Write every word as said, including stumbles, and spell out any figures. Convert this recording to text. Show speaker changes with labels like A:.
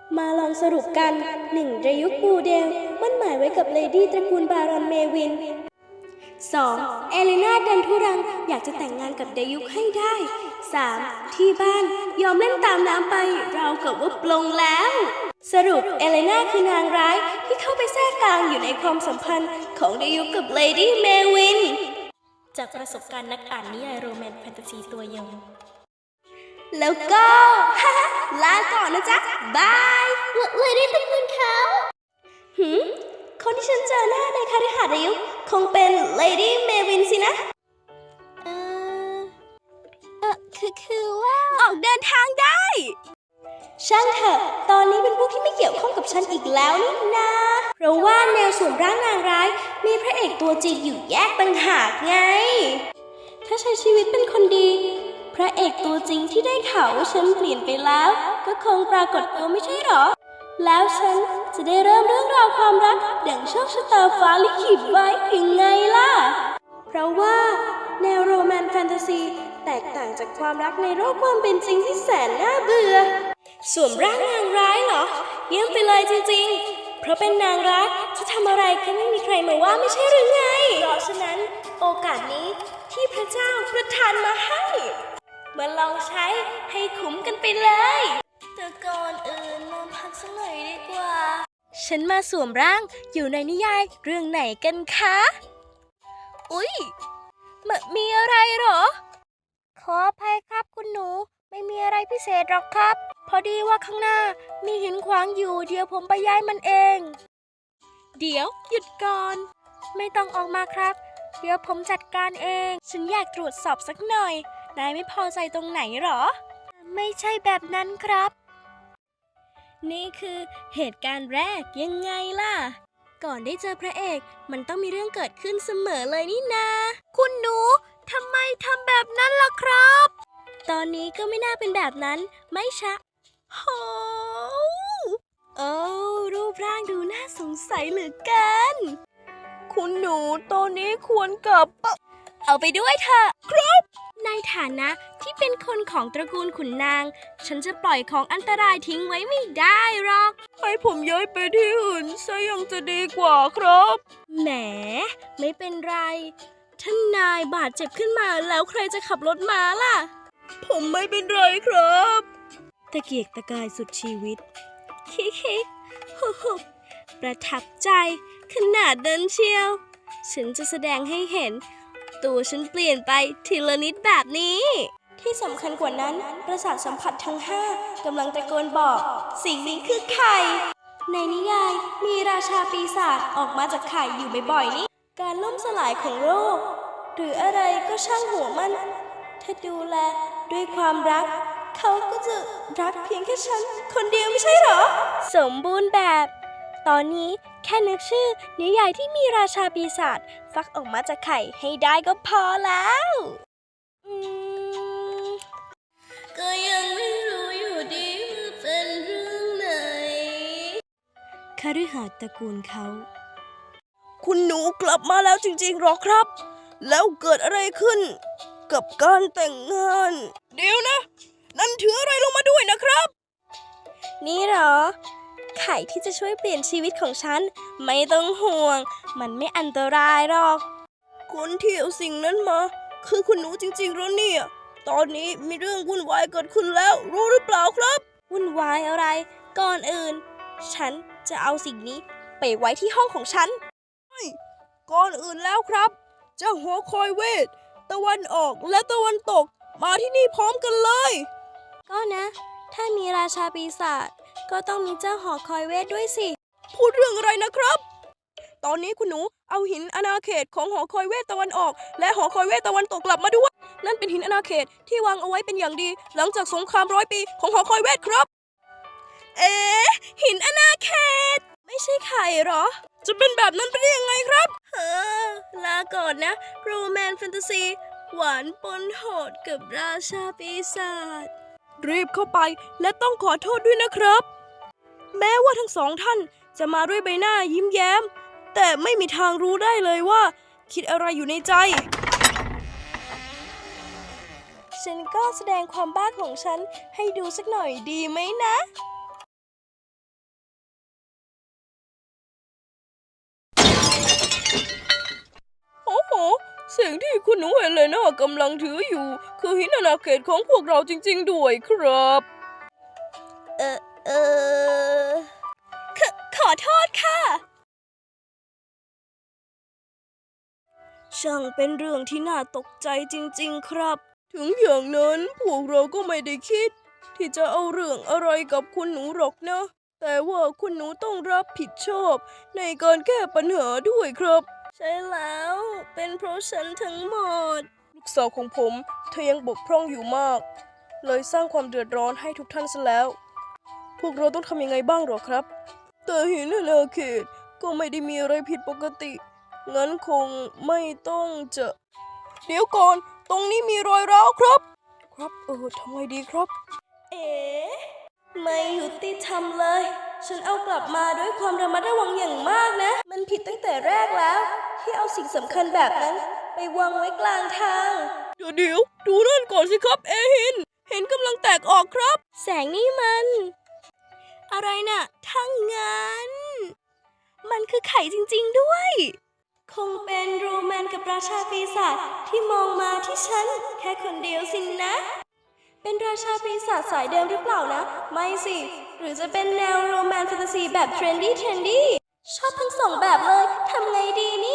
A: มาลองสรุปกันหนึ่งเรยุคบูเดลมั่นหมายไว้กับเลดี้ตระกูลบารอนเมวิน สอง. เอเลนาดันทุรังอยากจะแต่งงานกับเดยุคให้ได้ สาม. ที่บ้านยอมเล่นตามน้ำไปราวกับว่าปลงแล้ว สรุปเอเลนาคือนางร้ายที่เข้าไปแทรกกลางอยู่ในความสัมพันธ์ของเดยุคกับเลดี้เมวินจากประสบการณ์นักอ่านนิยายโรแมนต์แฟนตาซีตัวยงแล้วก็ ลาก่อนนะจ๊ะบายเลยได้ตระกูลเขาหืมคนที่ฉันเจอหน้าในคฤหาสน์อายุคงเป็นเลดี้เมวินสินะเออเออคือคือว่าออกเดินทางได้ช่างเถอะตอนนี้เป็นพวกที่ไม่เกี่ยวข้องกับฉันอีกแล้วนี่นาเพราะว่าแนวสวมร่างนางร้ายมีพระเอกตัวจริงอยู่แยกต่างหากไงถ้าใช้ชีวิตเป็นคนดีพระเอกตัวจริงที่ได้ข่าวว่าฉันเปลี่ยนไปแล้วก็คงปรากฏตัวไม่ใช่หรอแล้วฉันจะได้เริ่มเรื่องราวความรักดังโชคชะตาฟ้าลิขิตไว้ยังไงล่ะเพราะว่าแนวโรแมนต์แฟนตาซีแตกต่างจากความรักในโลกความเป็นจริงที่แสนน่าเบื่อสวมร่างนางร้ายเหรอเยี่ยมไปเลยจริงๆเพราะเป็นนางร้ายจะทำอะไรก็ไม่มีใครมาว่าไม่ใช่หรือไงเพราะฉะนั้นโอกาสนี้ที่พระเจ้าประทานมาให้มาลองใช้ให้คุ้มกันไปเลยแต่ก่อนอื่นมาพักสักหน่อยดีกว่าฉันมาสวมร่างอยู่ในนิยายเรื่องไหนกันคะอุ๊ยมมีอะไรหรอขออภัยครับคุณหนูไม่มีอะไรพิเศษหรอกครับพอดีว่าข้างหน้ามีหินขวางอยู่เดี๋ยวผมไปย้ายมันเองเดี๋ยวหยุดก่อนไม่ต้องออกมาครับเดี๋ยวผมจัดการเองฉันอยากตรวจสอบสักหน่อยนายไม่พอใจตรงไหนหรอไม่ใช่แบบนั้นครับนี่คือเหตุการณ์แรกยังไงล่ะก่อนได้เจอพระเอกมันต้องมีเรื่องเกิดขึ้นเสมอเลยนี่นาคุณหนูทำไมทำแบบนั้นล่ะครับตอนนี้ก็ไม่น่าเป็นแบบนั้นไม่ชะโหโอ้รูปร่างดูน่าสงสัยเหลือเกินคุณหนูตอนนี้ควรกลับเอาไปด้วยเถอะครับในฐานะที่เป็นคนของตระกูลขุนนางฉันจะปล่อยของอันตรายทิ้งไว้ไม่ได้หรอกให้ผมย้ายไปที่อื่นซะยังจะดีกว่าครับแหมไม่เป็นไรท่านนายบาดเจ็บขึ้นมาแล้วใครจะขับรถมาล่ะผมไม่เป็นไรครับตะเกียกตะกายสุดชีวิตคิกคิกฮู้ฮู้ประทับใจขนาดนั้นเชียวฉันจะแสดงให้เห็นตัวฉันเปลี่ยนไปทีละนิดแบบนี้ที่สำคัญกว่านั้นประสาทสัมผัสทั้งห้ากำลังตะโกนบอกสิ่งนี้คือไข่ในนิยายมีราชาปีศาจออกมาจากไข่อยู่บ่อยๆนี่การล่มสลายของโลกหรืออะไรก็ช่างหัวมันถ้าดูแลด้วยความรักเขาก็จะรักเพียงแค่ฉันคนเดียวไม่ใช่หรอสมบูรณ์แบบตอนนี้แค่นึกชื่อนิยายที่มีราชาปีศาจฟักออกมาจากไข่ให้ได้ก็พอแล้วอืมก็ยังไม่รู้อยู่ดีว่าเป็นเรื่องไหนคฤหาสน์ตระกูลเขาคุณหนูกลับมาแล้วจริงๆหรอครับแล้วเกิดอะไรขึ้นกับการแต่งงานเดี๋ยวนะนั่นถืออะไรลงมาด้วยนะครับนี่เหรอไข่ที่จะช่วยเปลี่ยนชีวิตของฉันไม่ต้องห่วงมันไม่อันตรายหรอกคนที่เอาสิ่งนั้นมาคือคุณหนูจริงๆแล้วเนี่ยตอนนี้มีเรื่องวุ่นวายเกิดขึ้นแล้วรู้หรือเปล่าครับวุ่นวายอะไรก่อนอื่นฉันจะเอาสิ่งนี้ไปไว้ที่ห้องของฉันก่อนอื่นแล้วครับเจ้าหัวคอยเวทตะวันออกและตะวันตกมาที่นี่พร้อมกันเลยก็นะถ้ามีราชาปีศาจก็ต้องมีเจ้าหอคอยเวทด้วยสิพูดเรื่องอะไรนะครับตอนนี้คุณหนูเอาหินอาณาเขตของหอคอยเวทตะวันออกและหอคอยเวทตะวันตกกลับมาด้วยนั่นเป็นหินอาณาเขตที่วางเอาไว้เป็นอย่างดีหลังจากสงครามร้อยปีของหอคอยเวทครับเอ๊ะหินอาณาเขตไม่ใช่ไข่หรอจะเป็นแบบนั้นไปได้ยังไงครับเฮ้อลาก่อนนะโรแมนต์แฟนตาซีหวานปนโหดกับราชาปีศาจรีบเข้าไปและต้องขอโทษด้วยนะครับแม้ว่าทั้งสองท่านจะมาด้วยใบหน้ายิ้มแย้มแต่ไม่มีทางรู้ได้เลยว่าคิดอะไรอยู่ในใจฉันก็แสดงความบ้าของฉันให้ดูสักหน่อยดีไหมนะ
B: สิ่งที่คุณหนูเฮเลนากำลังถืออยู่คือหินอาณาเขตของพวกเราจริงๆด้วยครับเออเออขขอโทษค่ะช่างเป็นเรื่องที่น่าตกใจจริงๆครับถึงอย่างนั้นพวกเราก็ไม่ได้คิดที่จะเอาเรื่องอะไรกับคุณหนูหรอกนะแต่ว่าคุณหนูต้องรับผิดชอบในการแก้ปัญหาด้วยครับใช่แล้วเป็นเพราะฉันทั้งหมดลูกสาวของผมเธอยังบกพร่องอยู่มากเลยสร้างความเดือดร้อนให้ทุกท่านซะแล้วพวกเราต้องทำยังไงบ้างหรอครับแต่หินอาณาเขตก็ไม่ได้มีอะไรผิดปกติงั้นคงไม่ต้องจะเดี๋ยวก่อนตรงนี้มีรอยร้าวครับครับเออทำไงดีครับเอ๋ไม่ยุติธรรมเลยฉันเอากลับมาด้วยความระมัดระวังอย่างมากนะมันผิดตั้งแต่แรกแล้วที่เอาสิ่งสำคัญแบบนั้นไปวางไว้กลางทางเดี๋ยวเดี๋ยวดูนั่นก่อนสิครับเอหินเห็นกำลังแตกออกครับแสงนี่มันอะไรน่ะทั้งงั้นมันคือไข่จริงๆด้วยคงเป็นโรแมนกับราชาปีศาจที่มองมาที่ฉันแค่คนเดียวสินนะเป็นราชาปีศาจสายเดิมหรือเปล่านะไม่สิหรือจะเป็นแนวโรแมนแฟนตาซีแบบเทรนดี้เทรนดี้ชอบทั้งสองแบบเลยทำไงดีเนี่ย